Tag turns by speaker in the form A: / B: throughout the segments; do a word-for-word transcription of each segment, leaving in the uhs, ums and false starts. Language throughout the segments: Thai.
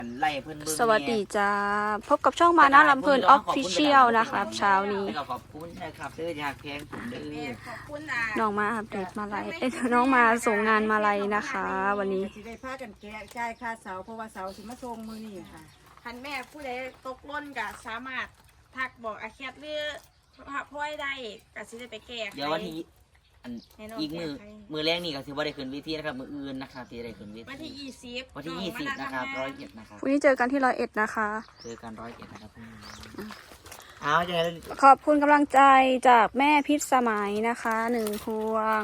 A: ไล่เพื่อน
B: สวัสดีจ้าพบกับช่องมานะลำเพลินออฟฟิเชียลนะครับเช้านี้
A: ขอบคุณนะครับเด้ออยากแพงผมเด้อ
C: ขอบคุณอ่ะ
B: น้องมาอัปเดตมาลัยเอ้ยน้องมาส่งงานมาลัยนะคะ วันนี้
D: สิได้พากันแกะจ่ายค่าเสาเพราะว่าเสาสิมาส่งมื้อนี้ค่ะ
C: คันแม่ผู้ใดตกล้นก็สามารถทักบอกอาแคทหรือพ่อยได้ก็สิได้ไปแก้ไข
A: เดี๋ยววันที่อันอีกมือมือแรกนี่ก็ถือว่าได้ขึ้นเวทีนะครับมืออื่นนะครับที่ได้ขึ้นเวที
C: วันที่ยี่สิบ
A: วันที่ยี่สิบนะครับร้อยเอ็ดนะครับ
B: วันนี้เจอกันที่ร้อยเอ็ดนะคะ
A: เจอกันร้อยเอ็ดนะครับเอาจะ
B: ขอบคุณกำลังใจจากแม่พิษสมัยนะคะหนึ่งพวง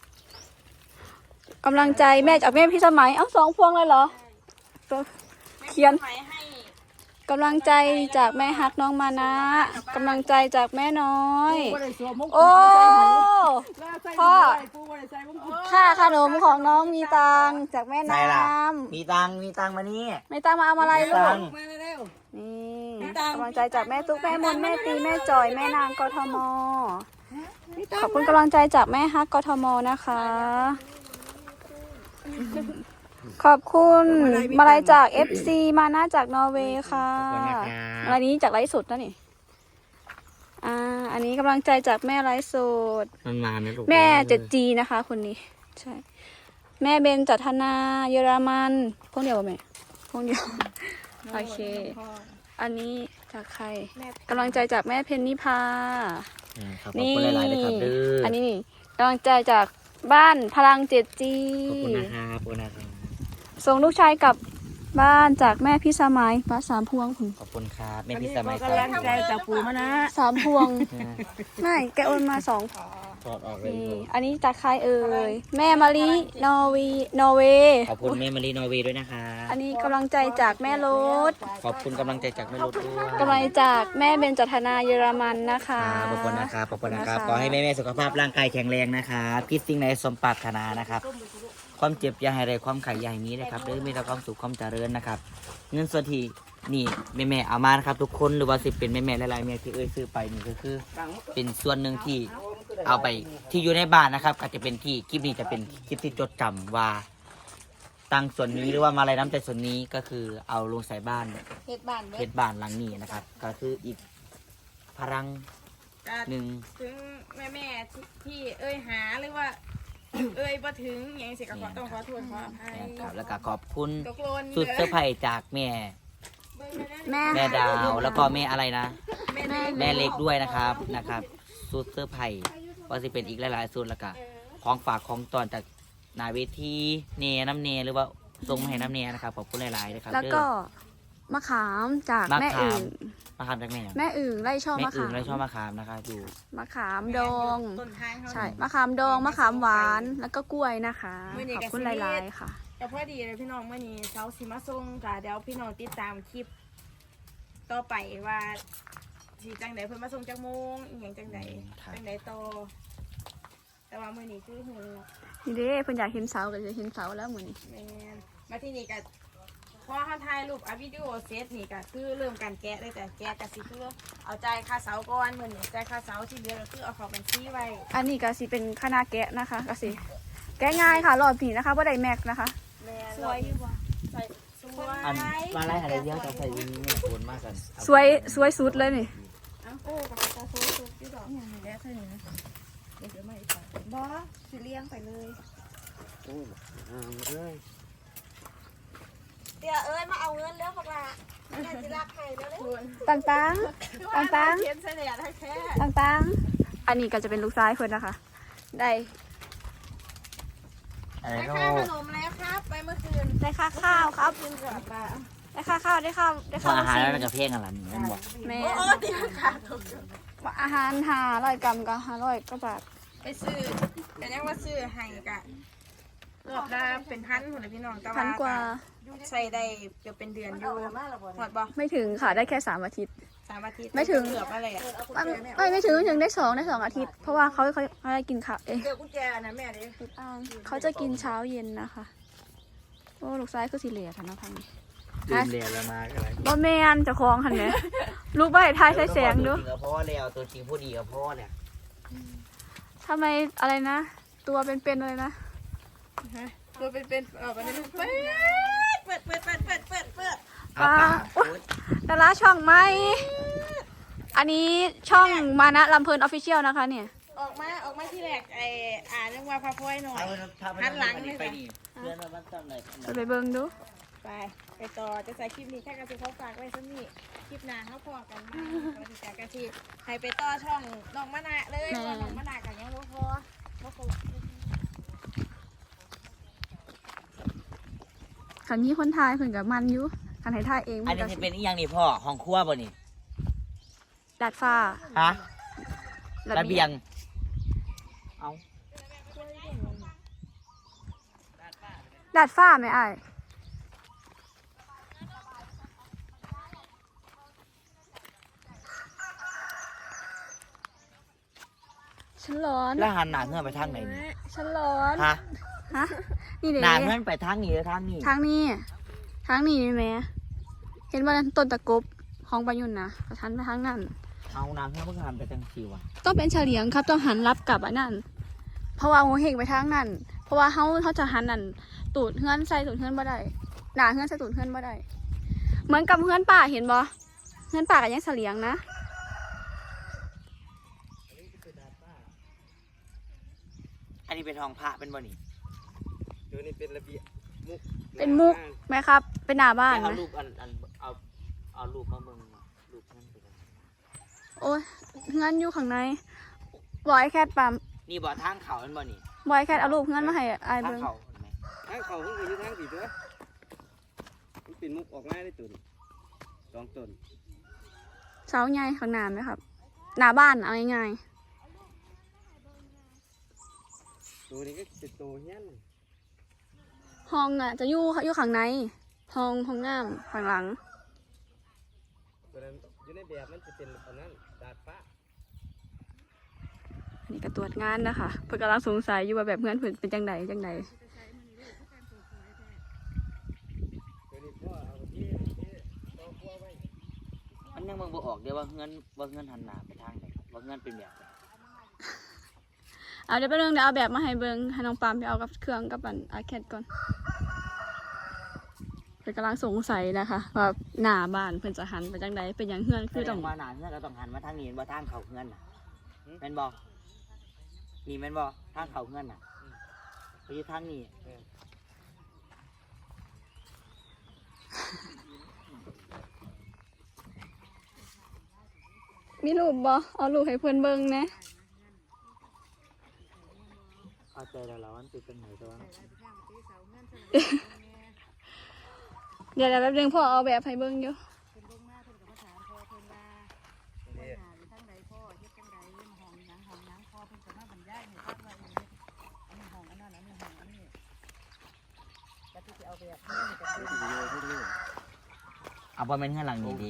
B: กำลังใจแม่จากแม่พิษสมัยเอ้าสองพวงเลยเหรอตัวเขียนกำลังใจจากแม่ฮักน้องมานะกำลังใจจากแม่น้อยโอ้พ่อค่าขนมของน้องมีตังจากแม่น้ำ
A: มีตังมีตังมานี่
B: ไม่ตังมาเอาอะไรลูก
D: มาเร็ว
B: นี่กำลังใจจากแม่ตุ๊กแม่มนแม่ตีแม่จอยแม่นางกทมขอบคุณกำลังใจจากแม่ฮักกทมนะคะขอบคุณมาลัยจาก เอฟ ซี มานะจากนอร์เวย์ค่ะมาลัยนี้จากไลฟ์สดนะนี่อ่าอันนี้กำลังใจจากแม่ไลฟ์สด
A: มันมาไหมลูก
B: แม่เจ็ดจีนะคะคนนี้ใช่แม่เบนจัทนาเยอรมันพวกเดียวป่ะแม่พวกเดียวโอเคอันนี้จากใครกำลังใจจากแม่เพนนิพา
A: ขอบคุณหลายๆเลยครับเด้อ
B: อันนี้นี่กำลังใจจากบ้านพลังเจ็ดจี
A: ขอบคุณนะครับขอบคุณนะครับ
B: ส่งลูกชายกลับบ้านจากแม่พี่สมัยป้าสามพวงคุณ
A: ขอบคุณครับแม่
D: อัน
A: พี่
D: นี้
A: ส
D: ข
A: มั
D: อย กำลังใจจากปู่มานะ
B: สามพวงไม่แกโอนมาสอง
A: ถอดออกเลย
B: นี่อันนี้จากใครเอ่ยแม่มารีนอร์วีนอร์เวย์
A: ขอบคุณแม่มารีนอร์เวย์ด้วยนะคะ
B: อันนี้กำลังใจจากแม่รถ
A: ขอบคุณกำลังใจจากแม่รถด้วย
B: กำลังจากแม่เบนจัทนาเยอรมันนะคะ
A: ขอบคุณนะครับขอบคุณนะครับ
B: นะคะ
A: ขอให้แม่แม่สุขภาพร่างกายแข็งแรงนะครับคิดสิ่งใดสมปรารถนานะครับความเจ็บอย่าให้ไรความไข่อย่าให้นี้นะครับเด้อมีแต่ความสุขความเจริญนะครับเงินส่วนที่นี่แม่แม่เอามานะครับทุกคนหรือว่าสิเป็นแม่แม่หลายๆแม่ที่เอ้ยซื้อไปนี่ก็คือ เป็นส่วนหนึ่งที่เอาไปที่อยู่ในบ้านนะครับอาจจะเป็นที่คลิปนี้จะเป็นคลิปที่จดจำว่าตังส่วนนี้หรือว่ามาลัยน้ำใจส่วนนี้ก็คือเอาลงใส่บ้าน
C: เฮ็ดบ้านเบิ
A: เพ
C: ด
A: ชรบ้านหลังนี้นะครับ ก็คืออีกพลัง
C: ก็
A: หนึ่ง
C: ถึงแม่แม่ๆที่เอ้ยหาหรือว่า เอ้ยบ่ถึงอย่างสิก็ขอต้องขอโทษขออภัย
A: นะครับแล้วก็ขอบคุณ
C: ตกหล่น
A: สุดเซอร์ไพรส์จากแม่
B: แม่
A: แม่ดาวแล้วก็แม่อะไรนะ
C: แม่
A: แม่เล็กด้วยนะครับนะครับสุดเซอร์ไพรส์ก็จะเป็นอีกหลายๆสุดแล้วก็ของฝากของตอนจากนาเวทีเนน้ำเนหรือว่าทรงมาให้น้ำเนนะครับขอบคุณหลายๆนะครับ
B: แล้วก็มะขามจาก
A: มะ
B: แม่
A: ขา
B: อึ่
A: ม
B: ง
A: มะขามจากแม่
B: แม่อึ่งไล่ช่อ
A: แม่
B: มะ
A: อื่
B: ขาน ม
A: และชอบมะขามนะครับอยู่
B: มะขามดอง
C: ต้นทางเขา
B: ใช่มะขามดองมะขามหวานแล้วก็กล้วยนะคะ
C: มื้อนี้
B: ข
C: ก็
B: อบคุณ
C: สิ
B: ห
C: มี
B: ลายๆค่ะ
C: ก็พอดีเลยพี่น้องเมื่อนี้เสาสิมาส่งจ้ะเดี๋ยวพี่น้องติดตามคลิป ต่อไปว่าสีจังใดเพิ่นมาส่งจังโมงอีหยังจังใดจังใดต่อแต่ว่ามื้อนี้คือหู
B: นี่เด้เพิ่นอยากเห็นเสาก็จะเห็นเสาแล้วเหมือน
C: แม่นมาที่นี่ก็พอเฮาถ่ายรูปอัดวิดีโอเสร็จนี่ก็คือเริ่มการแกะเลยแต่แกะก็สิคือเอาจ่ายค่าเสาก่อนมื้อนี้จ่ายค่าเสาที่เหลือก็คือเอาเข้าบัญชีไว้
B: อันนี้ก็สิเป็นคณะแกะนะคะก็สิแกะง่ายค่ะรอบผีนะคะบ่ได้แม็กนะคะ
C: แม่น
B: สวยอยู่บ่
C: ใส่สวย
A: อันมาไล่อะไรเยอะจะใส่ยิงไม่ควรมากกัน
B: สวยสวยสุดเลยนี่
C: เอาโอ้กับตาโซซุกที่ดอกอย่างนี้แล้วเท่านี้นะเดี๋ยวไม่ไปบ่สิเลี้ยงไปเลย
A: โอ้อ่าเลย
C: เดี๋ยวเอ้ยมาเอาเงินแล้วพวกเราแม่จะรักใครแล้วเลย
B: ต่างต่างต่างต่าง
C: เขียนเสน่ห์ได้แค่
B: ต่างต่างๆอันนี้ก็จะเป็นลูกซ้ายเพิ่นนะคะ ได้
A: อะไร
C: ได้
A: ก็
C: ค่าขนมแล้วครับ ไปเมื่อคืน
B: ได้ค่าข้าวครับ
C: กินกับปลา
B: ได้ค่าข้าวได้ข้าวได้ข้าว
A: อาหาร
B: ซี
A: แล้วกับเพลงอะไรนี่มันบอก
B: แม่
C: โอ้ตีขาถูก
B: อาหารห้าร้อยกรัมก็ห้าร้อยก็บาท
C: ไปซื้อแต่ยังว่าซื้อให้กะรอบละเป็นพันคนเลยพี่น้องแต่
B: พันกว่า
C: ใส่ได้เกือบเป็นเดือนอยู่หมดบ่
B: ไม่ถึงค่ะได้แค่สามอาทิตย์
C: สามอาทิตย์
B: ไม่ถึง
C: เกือบอะไรอ่ะ
B: ไม่ไม่ถึงไม่ถึงได้สองได้สองอาทิตย์เพราะว่าเขาเขาเขาจะกินข้าวเอ๊ะ
D: เดี๋ยวกุญแจนะแม่ดิ
B: อ่าเขาจะกินเช้าเย็นนะคะโอ้ลูกซ้ายคือสีเหลืองค่ะน้องพัง
A: ดื่มเรียนแล้วมาอะไร
B: บ่แมนเจะคลองหันไหมลูกใบทายใช้แสงดู
A: ตัวจริงกับพ่อแล้วตัวจริงผู้ดีกับพ่อเนี่ย
B: ทำไมอะไรนะ ตัวเป็นๆเลยนะ
C: ตัวเป็นเป็นๆออกมาได้เปิดเปิดเปิดเปิดเปิดเปิดเปิด
B: ดาราช่องไหมอันนี้ช่องมานะลำเพลินออฟฟิเชียลนะคะเนี่ย
C: ออกมาออกมาที่แรกไอ้อ่านเรื่องว่าพระพลอยหน่อยหันหลังเลย
A: ไป
C: ค่ะ
A: นี่เพื่อนมาบ้านต้นเลย
B: จะไปเบิ่งดู
C: ไปไปต่อจะใส่คลิปนี้แค่กระซิบเขาฝากไว้สักนี่คลิปหน้าเขาพอกันมาสวัสดีจ้ากระซิบให้ไปต่อช่องน้องมะนาวเลยเพราะว่าน้องมะนาวกันยังบ่พอบ่ครบ
B: คันนี้คนไทยเพิ่นกับมันอยู่คันไทยไทยเอง
A: อัน
B: เพิ่น
A: นี้
B: ก็
A: จะเป็นอีหยังนี่พ่อห้องครัวบ่นี่
B: ดาดฟ้า
A: ฮะระเบียงเอา
B: ดาดฟ้าไหมอ้ายฉันร้อน
A: แล้วหันหน้าเงื่อนไปทางไหนนี่
B: ฉันร้อน
A: ฮะ
B: ฮะนี่เด็
A: หน้าเงื่อนไปทางนี้หรือทางนี้
B: ทางนี้ทางนี้นี่แม่เห็นว่าต้นตะกบของประยุนนะกระทันไปทางนั้น
A: เอาน้ำเงื่อนเพิ่งหันไปทางสิวะ
B: ต้องเป็นเฉลียงครับต้องหันรับกลับอันนั้นเพราะว่าหัวเหงไปทางนั้น เพราะว่าเขาเขาจะหันนั่นตูดเฮือนใส่ตูดเฮือนบ่ได้หนาเฮือนใส่ตูดเฮือนบ่ได้เหมือนกับเฮือนป่าเห็นบ่เฮือนป่ากับยังเฉลียงนะ
A: อันนี้เป็นห้องพระเป็นบ่นี่
E: เดี๋ยวนี้เป็นระเบียบมุก
B: เป็นมุกไหมครับ เป็นหน้าบ้าน
A: เอา
B: ไหม
A: รูปอันอันเอาเอารูปมาเบิ่งรูปนั่นไปเลย
B: โอ้ยเฮือนอยู่ข้างในบอยแคทปั๊ม
A: นี่บ่ทางเขาเป็นบ่นี่
B: บอยแคทเอารูปเฮือนมาให้อาย
A: ทาง
B: เบิ่ง
A: เขาเห็นไหม
E: ทางเขาเพิ่งเคยอยู่ทางสี่ตัวมันเป็นมุกออกมาได้ตุนสองต้น
B: เสาใหญ่ข้างหน้าไหมครับ หน้าบ้านเอาง่าย
E: ตัวนี้ก็เป็นตัวเฮี้ยน
B: ๆห้องอ่ะจะอยู่อยู่ข้างในห้องห้องน้ำข้างหลัง
E: ตัวนั้นอยู่ในแบบมันจะเป็นอันนั้นดาดฟ้า
B: อันนี้ก็ตรวจงานนะคะเพื่อนกำลังสงสัยอยู่ว่าแบบเพื่อนเพื่อนเป็นจังใดจังใด
E: ตัวนี้พ่อเอาที่ที่ต่อครัวไว้
A: มันยังเบิ่งบ่ออกเดี๋ยวว่าเงื่อนว่าเงื่อนหันหน้าไปทางไหนว่าเงื่อนเป็นแบบไหน
B: เอาเดี๋ยวไปเรื่องเดี๋ยวเอาแบบมาให้เบิ้งให้น้องปามไปเอากับเครื่องกับอันอาแคดก่อนเพื่อนกำลังสงสัยนะคะว่าหน้าบ้านเพื่อนจะหันไปจังใดเป็นอย่างเฮือนคือต้อง
A: แสดว่าหน้าเงื่อนก็ต้องหันมาทางนี้บ่ทางเขาเงื่อนน่ะแม่นบ่นี่แม่นบ่ทางเขาเงื่อนน่ะไปอยู่ทางนี้
B: มีรูปบ่เอารูปให้เพื่อนเบิ้งนะ
A: เข้าใจแล้วแล้วมันเป็นจังไหนตัว
B: เดี๋ยวเดี๋ยวแป๊บนึงพ่อเอาแบบให้เบิ้งอยู่
A: เอาบ่แม่นเงื่อนหลังนี้ดี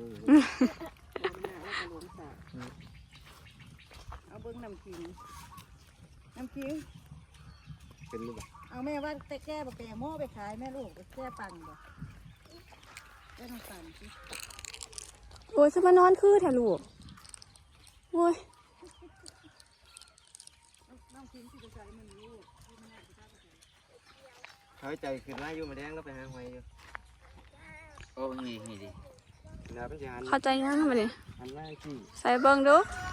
D: เอาเบิ้งน้ำขิงน้ำขิง
E: เป็นรูปแบบ
D: เอาแม่ว่าแต่แก้บะแก่หม้อไปขายแม่ลูกแก้ปังบ่แก้น้ำปังสิ
B: โอ้ยจะมานอนคือแถลูกโอ้ย
D: น้ำขิงที่จะใส่มันลูก
E: เขาใจขึ้นมาอยู่มาแดงแล้วไปหาหอยอยู่
A: โอ้นี่นี่ดิ
E: ดาเป็นจาน
B: เข้าใจงั้นทำไมเนี่ย
E: อันแรกที่
B: ใส่เบิ้งดู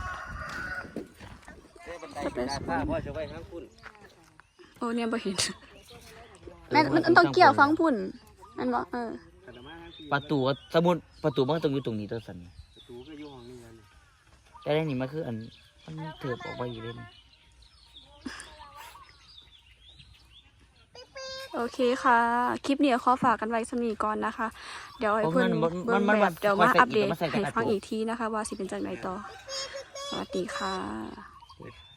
E: เจ้บันไดเป็นดาดฟ้าพ่อจะไว้ข้างคุณ
B: โอ้เนี่ยบ่เห็นแม่มันมันต้องเกี่ยวฟังพุ่นนั่นบ่เออ
E: ขันมาทางที่
A: ประตูก็สมมุติประตูมันก็ต้องอยู่ตรงนี้ตัวสัน
E: ประตูก็อยู่ห้องนี้นั่น
A: แต่ได้นี่มันคืออันมันเถิบออกไปอยู่เล่น
B: โอเคค่ะ คลิปนี้ขอฝากกันไว้สำนีก่อนนะคะ เดี๋ยวให้เพื่อนเบิ่งแบบเดี๋ยวมาอัปเดตให้ฟังอีกทีนะคะ ว่าสิเป็นจังไดต่อ สวัสดีค่ะ